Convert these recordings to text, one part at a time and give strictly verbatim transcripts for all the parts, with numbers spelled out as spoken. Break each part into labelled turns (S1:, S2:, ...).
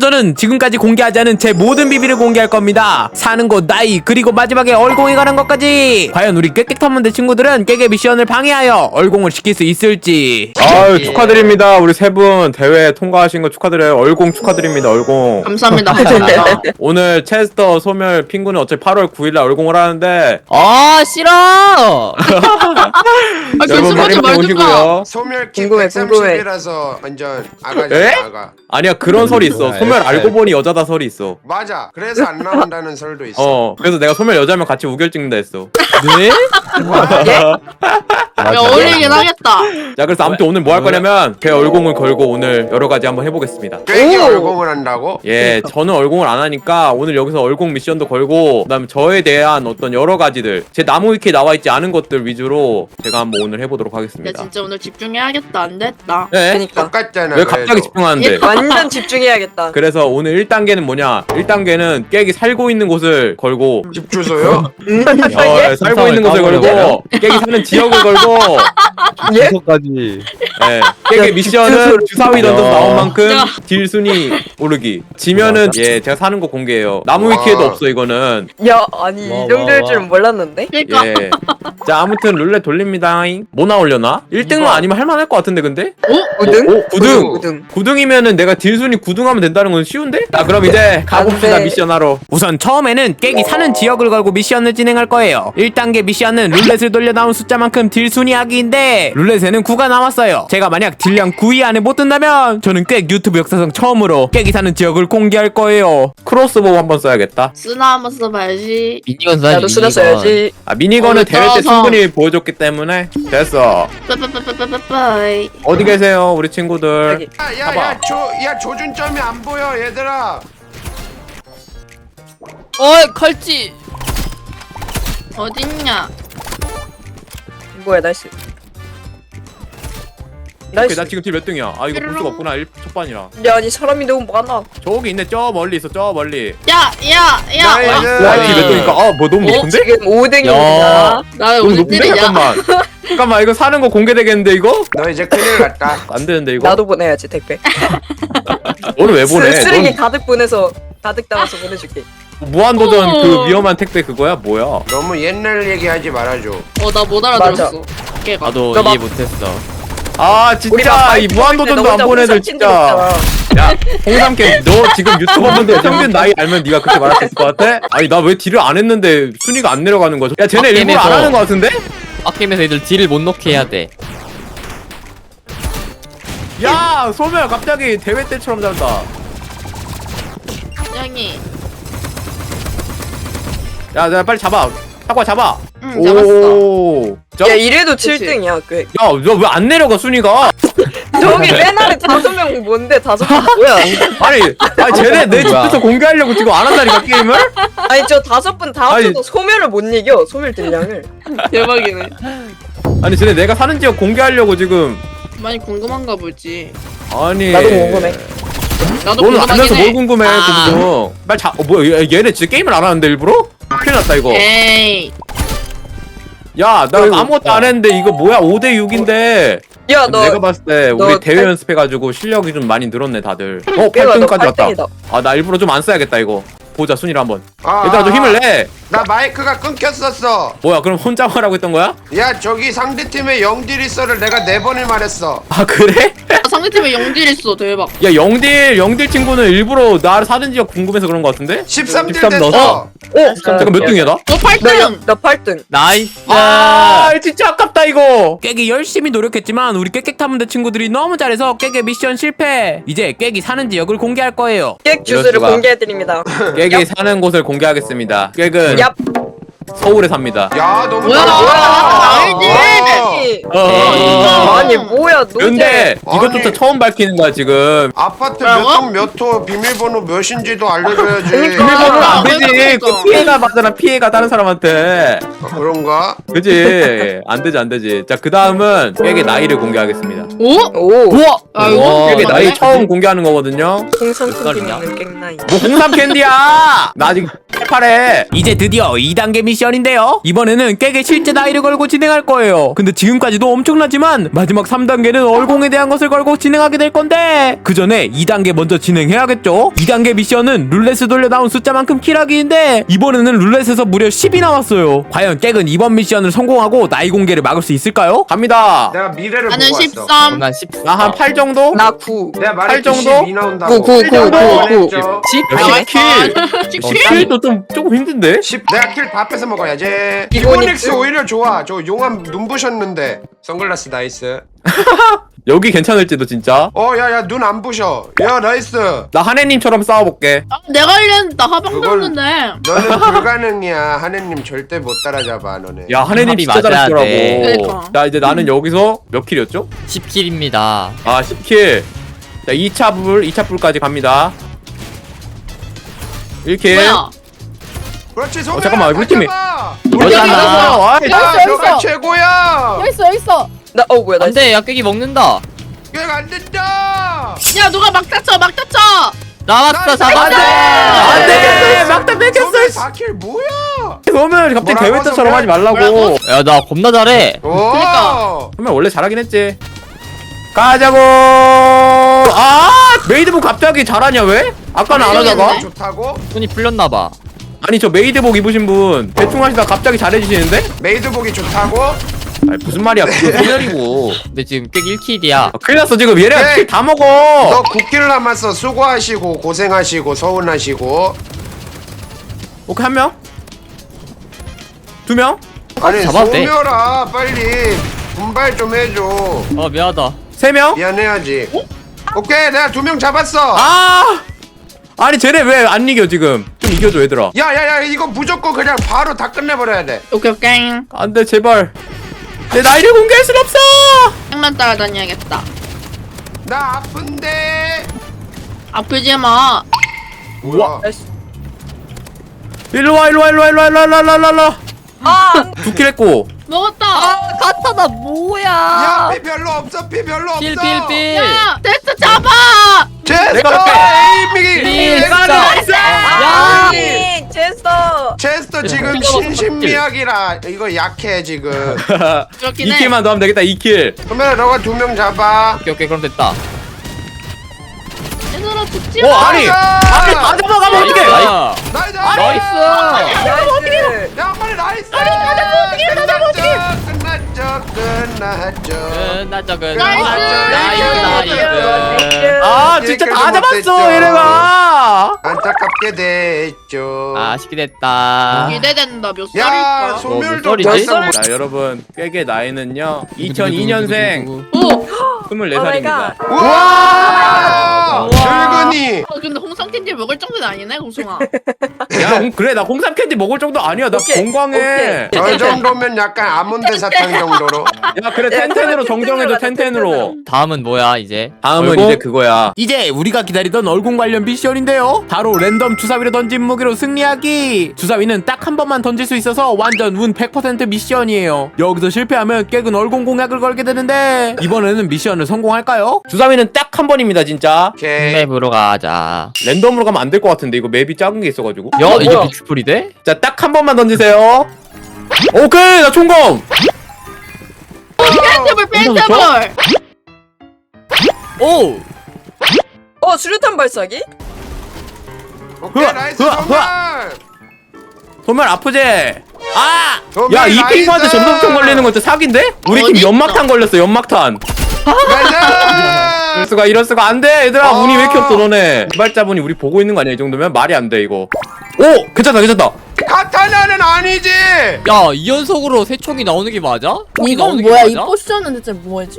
S1: 저는 지금까지 공개하지 않은 제 모든 비밀을 공개할 겁니다. 사는 곳, 나이, 그리고 마지막에 얼공에 관한 것까지. 과연 우리 깨끗한문대 친구들은 깨개 미션을 방해하여 얼공을 시킬 수 있을지.
S2: 아유, 축하드립니다. 우리 세 분 대회 통과하신 거 축하드려요. 얼공 축하드립니다. 얼공.
S3: 감사합니다. 감사합니다.
S2: 오늘 체스터, 소멸, 핑구는 어차피 팔월 구일날 얼공을 하는데
S4: 아 싫어.
S3: 아,
S2: 여러분 많이
S3: 괜찮지
S2: 많이
S3: 말든가.
S2: 오시고요.
S5: 소멸키
S6: 궁금해, 궁금해.
S5: 백삼십이라서 완전 아가지
S2: 에?
S5: 아가.
S2: 아니야, 그런 설이 있어. 소멸 알고 보니 여자다 설이 있어.
S5: 맞아. 그래서 안 나온다는 설도 있어.
S2: 어, 그래서 내가 소멸 여자면 같이 우결 찍는다 했어.
S4: 네?
S3: 야, 어울리긴 하겠다.
S2: 자, 그래서 아무튼 오늘 뭐 할 거냐면 제 얼공을 걸고 오늘 여러 가지 한번 해보겠습니다.
S5: 꽤
S6: 오!
S5: 얼공을 한다고?
S2: 예, 저는 얼공을 안 하니까 오늘 여기서 얼공 미션도 걸고 그다음에 저에 대한 어떤 여러 가지들 제 나무 위키에 나와 있지 않은 것들 위주로 제가 한번 오늘 해보도록
S3: 야,
S2: 하겠습니다.
S3: 진짜 오늘 집중해야겠다. 안 됐다.
S2: 네?
S6: 그니까
S5: 똑같잖아.
S2: 왜 갑자기
S5: 그래도.
S2: 집중하는데?
S6: 완전 집중해야겠다.
S2: 그래서 오늘 일 단계는 뭐냐? 일 단계는 깨기 살고 있는 곳을 걸고
S5: 집 주소요?
S2: 어, 살고 있는 곳을 걸고 깨기 사는 지역을 걸고
S6: 예?
S7: 주소까지.
S2: 예, 깨기 미션은 주사위 던져서 나온 만큼
S3: 야.
S2: 딜 순위 오르기. 지면은 예 제가 사는 곳 공개해요. 나무
S5: 와.
S2: 위키에도 없어 이거는.
S6: 야 아니
S4: 와,
S6: 이 정도일
S4: 와,
S6: 줄은
S4: 와.
S6: 몰랐는데.
S3: 그니까.
S2: 예. 자 아무튼 룰렛 돌립니다. 뭐 나오려나? 일 등만 아니면 할만할 것 같은데 근데?
S6: 우등?
S2: 오, 구 등!
S6: 우등.
S2: 구 등이면은 내가 딜 순위 구 등 하면 된다는 건 쉬운데? 자 그럼 이제 가봅시다.
S6: 안 돼.
S2: 미션 하러.
S1: 우선 처음에는 깨기 사는 지역을 걸고 미션을 진행할 거예요. 일 단계 미션은 룰렛을 돌려 나온 숫자만큼 딜 순위하기인데 룰렛에는 구가 나왔어요. 제가 만약 딜량 구 위 안에 못 든다면 저는 꽤 유튜브 역사상 처음으로 깨기 사는 지역을 공개할 거예요.
S2: 크로스보우 한번 써야겠다.
S3: 쓰나 한번 써봐야지.
S4: 미니건 써야지.
S6: 나도 쓰다
S4: 미니건.
S6: 써야지.
S2: 아 미니건은
S3: 어,
S2: 대회 때
S3: 떠서.
S2: 충분히 보여줬기 때문에 됐어.
S3: 빠빠빠빠빠빠이.
S2: 어디 계세요 우리 친구들?
S6: 여기.
S5: 야야야 조, 야 조준점이 안 보여 얘들아.
S4: 어이 칼찌.
S3: 어딨냐?
S6: 뭐야 나이스.
S2: 오케이,
S6: 나이스.
S2: 나 지금 딜 몇 등이야? 아 이거 볼 수가 없구나. 일 첫반이라.
S6: 야 아니 사람이 너무 많아.
S2: 저기 있네. 저 멀리 있어. 저 멀리.
S3: 야, 야, 야.
S5: 나이스.
S3: 와,
S2: 와 딜 몇 등이니까 아뭐 너무
S3: 어?
S2: 높은데?
S6: 지금 오 등입니다.
S4: 야.
S3: 나
S2: 너무
S3: 오늘
S2: 높은데?
S3: 딜이냐?
S2: 잠깐만. 잠깐만 이거 사는 거 공개되겠는데 이거?
S5: 너 이제 큰일 났다.
S2: 안 되는데 이거?
S6: 나도 보내야지 택배.
S2: 너는 왜 보내?
S6: 쓰, 쓰레기
S2: 넌
S6: 가득 보내서 가득 담아서 보내줄게.
S2: 무한도전
S3: 어.
S2: 그 위험한 택배 그거야? 뭐야?
S5: 너무 옛날 얘기하지 말아줘.
S3: 어, 나 못 알아들었어. 깨가.
S4: 나도
S6: 너
S4: 이해
S6: 막-
S4: 못했어.
S2: 아
S6: 우리
S2: 진짜
S6: 막
S2: 이 무한도전도 안 보내들 진짜. 야 홍삼캠 너 지금 유튜버분들 평균 나이 알면 네가 그렇게 말할 수 있을 것 같아? 아니 나 왜 딜을 안 했는데 순위가 안 내려가는 거죠? 야 쟤네 일부러 안
S4: 게임에서-
S2: 하는 거 같은데?
S4: 빡게임에서 애들 딜을 못 넣게 해야 돼.
S2: 야 소멸 갑자기 대회 때처럼 잘한다.
S3: 양이.
S2: 야, 야 빨리 잡아. 사과 잡아.
S3: 응, 잡았어.
S2: 오. 저,
S6: 야 이래도
S3: 그치.
S6: 칠 등이야. 그
S2: 야, 너 왜 안 내려가 순위가?
S6: 저기 맨 아래 다섯 명 뭔데 다섯 명 뭐야?
S2: 아니, 아니 쟤네 내
S4: 뭐야?
S2: 집에서 공개하려고 지금 안 한다니까 게임을?
S6: 아니 저 다섯 분 다
S2: 아니.
S6: 합쳐도 소멸을 못 이겨. 소멸 딜량을.
S3: 대박이네.
S2: 아니 쟤네 내가 사는 지역 공개하려고 지금.
S3: 많이 궁금한가 보지.
S2: 아니.
S6: 나도 궁금해.
S3: 나도
S2: 너는
S3: 궁금하긴
S2: 안면서
S3: 해.
S2: 뭘 궁금해?
S3: 아.
S2: 그거. 빨리 자. 어 뭐야? 얘- 얘네 진짜 게임을 안 하는데 일부러? 큰일 났다 이거.
S3: 에이.
S2: 야, 나
S6: 어이구.
S2: 아무것도 안 했는데 이거 뭐야? 오 대 육인데.
S6: 야 너
S2: 내가 봤을 때
S6: 너
S2: 우리 대회
S6: 팔-
S2: 연습해가지고 실력이 좀 많이 늘었네 다들. 어,
S6: 얘가
S2: 팔
S6: 너
S2: 등까지 왔다.
S6: 팔 등이다.
S2: 아, 나 일부러 좀 안 써야겠다 이거. 보자 순위를 한번.
S5: 아,
S2: 얘들아 좀 힘을 내.
S5: 나 마이크가 끊겼었어.
S2: 뭐야 그럼 혼자 말하고 있던 거야?
S5: 야 저기 상대팀의 영딜 있어를 내가 네 번을 말했어.
S2: 아 그래?
S3: 아, 상대팀에 영딜 있어. 대박.
S2: 야 영딜 영딜 친구는 일부러 나를 사는 지역 궁금해서 그런 거 같은데?
S5: 십삼 딜
S2: 십삼
S5: 됐어.
S2: 넣었어? 어? 잠깐 몇 등이야 나?
S3: 너 팔 등.
S6: 나팔 등.
S4: 나이스.
S2: 아 진짜 아깝다 이거.
S1: 깨기 열심히 노력했지만 우리 깨끗한문대 친구들이 너무 잘해서 깨기 미션 실패. 이제 깨기 사는 지역을 공개할 거예요.
S6: 깨 주스를
S2: 이럴 수가.
S6: 공개해드립니다.
S2: 깨기 사는 곳을 공개하겠습니다. 깨은
S6: 얍.
S2: 서울에 삽니다.
S5: 야 너무
S3: 뭐야?
S5: 잘한다.
S3: 알지?
S5: 어.
S2: 어.
S6: 아, 아니 뭐야 노제.
S2: 근데 이것조차
S5: 아니.
S2: 처음 밝히는 거야 지금.
S5: 아파트
S3: 뭐라고?
S5: 몇동몇호 비밀번호 몇인지도 알려줘야지.
S2: 비밀번호는 안
S3: 아,
S2: 되지.
S3: 그러니까.
S2: 그 피해가 받잖아 피해가 다른 사람한테.
S5: 아, 그런가?
S2: 그지? 안 되지 안 되지. 자 그 다음은 깨기 나이를 공개하겠습니다.
S3: 오?
S6: 오.
S4: 우와.
S3: 아, 이거
S2: 깨기
S3: 맞네?
S2: 나이 처음 공개하는 거거든요.
S6: 홍삼
S4: 몇 살이냐?
S6: 캔디는 깽나이.
S2: 뭐 홍삼 캔디야! 나 아직 십팔 회.
S1: 이제 드디어 이 단계 미션인데요. 이번에는 깨게 실제 나이를 걸고 진행할 거예요. 근데 지금까지도 엄청나지만 마지막 삼 단계는 얼공에 대한 것을 걸고 진행하게 될 건데 그 전에 이 단계 먼저 진행해야겠죠. 이 단계 미션은 룰렛을 돌려 나온 숫자만큼 킬하기인데 이번에는 룰렛에서 무려 십이 나왔어요. 과연 깨은 이번 미션을 성공하고 나이 공개를 막을 수 있을까요?
S2: 갑니다.
S5: 내가 미래를
S3: 나는
S5: 보고 왔어.
S3: 십삼.
S4: 난 십사.
S2: 나 한 팔 정도?
S6: 나 구.
S5: 내가
S2: 팔
S5: 말했지
S2: 정도?
S5: 십이 나온다고.
S6: 구, 구, 구, 구, 구.
S2: 십
S3: 아,
S2: 킬.
S3: 십칠.
S2: 킬도 좀 조금 힘든데?
S5: 십 내가 킬 다 뺏어 먹어야지.
S6: 이거니-
S5: 이코닉스 오히려 좋아. 저 용암 눈부셨는데. 선글라스 나이스.
S2: 여기 괜찮을지도 진짜.
S5: 어 야야 눈 안 부셔. 야 나이스.
S2: 나 한혜님처럼 싸워볼게.
S3: 아, 내가 하려는 나 하방
S5: 그걸-
S3: 줬는데.
S5: 너는 불가능이야. 하느님 절대 못 따라잡아 너네.
S2: 야 한혜님
S4: 합이
S2: 진짜
S4: 맞아야
S2: 잘하시더라고.
S4: 돼.
S3: 그러니까.
S2: 자 이제 나는 여기서 몇 킬이었죠?
S4: 십 킬입니다.
S2: 아 십 킬. 자 이 차 불, 이 차 불까지 갑니다. 일 킬.
S3: 뭐야?
S5: 그렇지 소멸아.
S2: 어, 잠깐만, 우리 팀이-
S4: 너잖아.
S2: 아이,
S5: 야
S7: 여기
S5: 너가
S7: 있어.
S5: 최고야.
S7: 여기 있어 여기 있어.
S6: 나 어 뭐야 나
S4: 안돼 약깨기 먹는다.
S5: 이거 안 된다.
S3: 야 누가 막 다쳐 막 다쳐.
S4: 나왔어
S5: 나-
S4: 잡았어.
S2: 안돼 막다
S5: 소멸
S2: 뺏겼어.
S5: 사 킬 뭐야?
S2: 그러면 갑자기
S5: 뭐라고,
S2: 대회 때처럼
S5: 소멸?
S2: 하지 말라고.
S3: 뭐라고?
S4: 야 나 겁나 잘해.
S5: 오.
S3: 그러니까.
S2: 그러면 원래 잘하긴 했지. 가자고. 아 메이드복 갑자기 잘하냐 왜? 아까는 안 하다가.
S3: 모르겠네.
S5: 좋다고?
S4: 손이 풀렸나봐.
S2: 아니 저 메이드복 입으신 분 대충 하시다 갑자기 잘해주시는데?
S5: 메이드복이 좋다고?
S2: 아니 무슨 말이야 그거 소멸이고.
S4: 근데 지금 깨기 일 킬이야.
S2: 아, 큰일 났어 지금 얘네가
S5: 네.
S2: 킬 다 먹어.
S5: 너 구 킬 남았어. 수고하시고 고생하시고 서운하시고.
S2: 오케이 한 명? 두 명?
S5: 아니
S4: 잡아도 돼.
S5: 소멸아 빨리 분발 좀 해줘.
S4: 어 미안하다.
S2: 세 명?
S5: 미안해야지. 오케이 내가 두 명 잡았어.
S2: 아! 아니 쟤네 왜 안 이겨 지금? 좀 이겨줘 얘들아.
S5: 야야야 이거 무조건 그냥 바로 다 끝내버려야 돼.
S3: 오케이 오케이.
S2: 안돼 제발. 내 나이를 공개할 순 없어.
S3: 땅만 따라다녀야겠다.
S5: 나 아픈데.
S3: 아프지 마.
S5: 우와.
S2: 일로 와 일로 와 일로 와 일로 와 일로 와 일로 와 일로 와.
S6: 아
S2: 두 킬 했고.
S3: 먹었다.
S4: 가타나 뭐야?
S5: 야 피 별로 없어 피 별로 없어.
S4: 필필필.
S3: 야 됐어 잡아.
S5: 제스터
S2: 내가
S5: 에이밍이
S4: 필,
S5: 내가
S4: 진짜.
S5: 나이스.
S4: 야.
S6: 아니 제스터.
S5: 체스터 지금
S4: 필요가 없어,
S5: 신신미약이라 이거 약해 지금.
S3: 그렇긴
S2: 이
S3: 해.
S2: 킬만 더 하면 되겠다 이 킬.
S5: 그러면 너가 두 명 잡아.
S4: 오케이 오케이 그럼 됐다.
S3: 얘들아 죽지
S2: 어
S3: 마.
S2: 아니 아니 다 잡아가면 어떡해.
S4: 나이스.
S5: 나이스.
S4: 나이스.
S6: 나이스.
S5: 야 빨리 나이스. 아니 다 잡아 어떻게 다 잡아 어떻게. 끝났죠 끝났죠.
S4: 끝났죠 끝.
S3: 나이스.
S4: 나이스 나이스.
S2: 아 진짜 다 잡았어 얘네가.
S5: 안타깝게 됐죠.
S4: 아쉽게 됐다.
S3: 기대된다 몇
S5: 야
S3: 살일까?
S5: 소멸도
S4: 몇 살이지?
S5: 벌써
S2: 자 여러분 꾀게 나이는요 이천이 년생
S3: 오.
S2: 스물네
S6: 오 마이
S2: 살입니다.
S6: 갓.
S5: 우와
S3: 우와.
S5: 늙은이.
S3: 어, 근데 홍삼 캔디 먹을 정도는 아니네 공송아.
S2: 야 홍- 그래 나 홍삼 캔디 먹을 정도 아니야 나
S6: 오케이,
S2: 건강해.
S5: 저 정도면 약간 아몬드 사탕 정도로.
S2: 야 그래 텐텐으로 정정해줘 텐텐으로.
S4: 다음은 뭐야 이제?
S2: 다음은
S1: 얼공?
S2: 이제 그거야.
S1: 이제 우리가 기다리던 얼공 관련 미션인데요. 바로 랜덤 주사위를 던진 무기로 승리하기. 주사위는 딱 한 번만 던질 수 있어서 완전 운 백 퍼센트 미션이에요. 여기서 실패하면 깨근 얼공 공약을 걸게 되는데 이번에는 미션을 성공할까요?
S2: 주사위는 딱 한 번입니다 진짜.
S5: 오케이.
S4: 맵으로 가자.
S2: 랜덤으로 가면 안 될 것 같은데 이거 맵이 작은 게 있어가지고.
S4: 야
S6: 어,
S4: 이게
S6: 뭐야?
S4: 비추풀이 돼?
S2: 자 딱 한 번만 던지세요. 오케이 나 총검.
S3: 펜트볼 펜트볼.
S4: 오.
S6: 어 수류탄 발사기?
S5: 오케이
S2: 흐아,
S5: 나이스
S2: 흐아,
S5: 정말.
S2: 정말 아프지? 아!
S5: 정말
S2: 야 이
S5: 나이스.
S2: 핑크한테 전동총 걸리는 건 진짜 사기인데? 우리 팀
S3: 어딨어?
S2: 연막탄 걸렸어 연막탄. 이럴
S5: 나이스.
S2: 수가 이럴 수가 안돼 얘들아.
S5: 어.
S2: 운이 왜 이렇게 없어 너네. 개발자분이 우리 보고 있는 거 아니야 이 정도면? 말이 안 돼 이거. 오! 괜찮다 괜찮다.
S5: 카타나는 아니지.
S4: 야 이 연속으로 세 총이 나오는 게 맞아? 총이
S7: 이건
S4: 나오는 게
S7: 뭐야? 이
S4: 맞아?
S7: 포션은 대체 뭐지?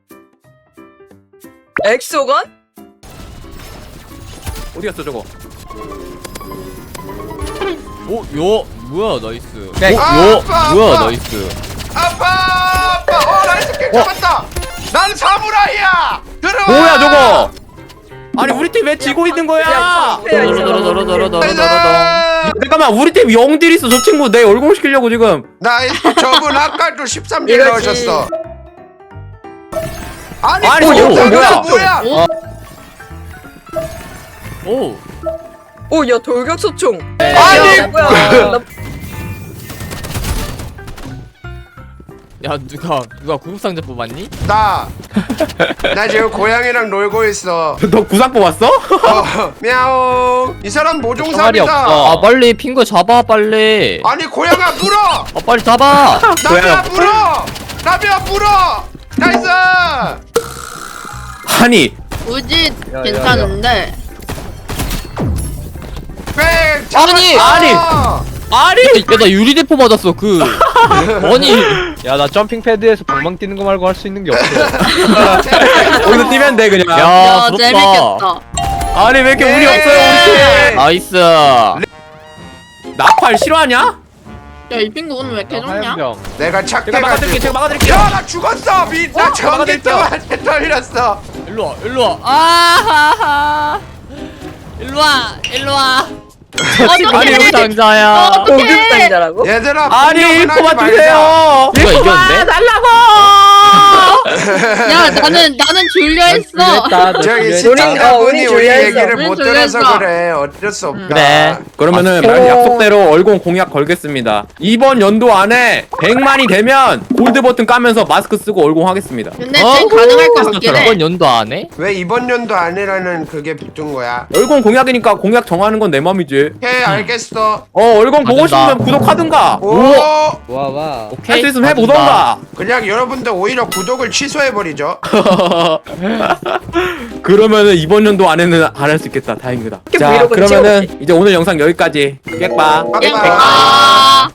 S6: 엑소건?
S2: 어디 갔어 저거?
S4: 오, 요, 뭐야, 나이스.
S2: 야,
S4: 오, 요,
S5: 아빠,
S4: 뭐야,
S5: 아빠.
S4: 나이스.
S5: 아빠 아빠. 어 나이스 킬 잡았다. 난 사무라이야. 들어와.
S2: 뭐야 저거? 아니 우리 팀 왜 지고 있는 거야?
S4: 도로도로도로도로도로도로.
S5: 나이스.
S2: 잠깐만 우리 팀 영딜 있어. 저 친구 내 얼공 시키려고 지금.
S5: 나이스. 저분 아까도 십삼 킬
S6: 이거지.
S5: 넣으셨어. 아니,
S2: 아니,
S5: 뭐
S2: 저거
S5: 영상은
S2: 뭐야?
S5: 뭐야?
S3: 오.
S4: 오.
S6: 오, 야, 돌격소총.
S5: 아니!
S6: 야, 뭐야. 나
S4: 야 누가 누가 구급상자 뽑았니?
S5: 나, 나 지금 고양이랑 놀고 있어.
S2: 너 구상 뽑았어?
S5: 어, мя옹. 이 사람
S4: 총알이
S5: 모종삽이다.
S4: 없어. 아 빨리 핑거 잡아 빨리.
S5: 아니 고양아 물어.
S4: 아 빨리 잡아.
S5: 나비야 물어. 나비야 물어. 나이스.
S2: 아니
S3: 우지
S4: 야,
S3: 괜찮은데.
S5: 뺑.
S4: 아니,
S2: 아니. 아니
S4: 야나 유리대포 맞았어 그. 아니.
S7: 야 나 점핑 패드에서 방망 뛰는 거 말고 할 수 있는 게 없어.
S2: 거기서 뛰면 돼 그냥.
S4: 야
S3: 야
S4: 부럽다.
S3: 재밌겠다.
S2: 아니 왜 이렇게 운이
S5: 네.
S2: 없어요 우리 팀?
S4: 나이스.
S2: 나팔 싫어하냐?
S3: 야 이 핑구 오늘 왜 이렇게 좋냐?
S7: 화염병.
S5: 내가
S2: 제가 막아드릴게
S5: 착해가지고.
S2: 제가 막아드릴게요.
S5: 야 나 죽었어. 미, 나 전기
S2: 막아드릴게요.
S5: 동안에 떨렸어.
S4: 일로 와 일로 와. 아하하. 일로 와 일로 와. 아니
S3: 어떡해.
S4: 여기 상자야.
S3: 어,
S6: 고급상자라고?
S5: 얘들아
S2: 아니
S5: 폭력은 하지
S2: 그만
S5: 말자.
S2: 주세요.
S4: 누가 이겼는데?
S2: 달라고.
S3: 야 나는 나는 줄려 했어.
S5: 저기
S6: 우린-
S5: 시청자분이
S6: 어,
S5: 우리
S6: 우리
S5: 얘기를
S3: 우린
S5: 못
S3: 졸렸어.
S5: 들어서 그래. 어쩔 수 없다.
S4: 그래.
S2: 그러면은
S4: 아,
S2: 말 약속대로 얼공 공약 걸겠습니다. 이번 연도 안에 백만이 되면 골드 버튼 까면서 마스크 쓰고 얼공하겠습니다.
S3: 근데
S4: 어?
S3: 쟤 가능할 것 같긴 해.
S4: 이번 연도 안 해?
S5: 왜 이번 연도 아니라는 그게 붙은 거야?
S2: 얼공 공약이니까 공약 정하는 건 내 맘이지.
S5: 오케이 알겠어.
S2: 어 얼공 보고
S4: 맞는다.
S2: 싶으면 구독하든가.
S5: 오.
S7: 와 와.
S4: 오케이.
S2: 할 수 있으면
S4: 맞는다.
S2: 해보던가.
S5: 그냥 여러분들 오히려 구독을 취소해버리죠.
S2: 그러면은 이번 연도 안에는 안 할 수 있겠다. 다행이다.
S6: 이렇게
S2: 자
S6: 브이로그는
S2: 그러면은 이제 오늘 영상 여기까지. 빽빠.
S5: 빠이빠이.
S3: 아.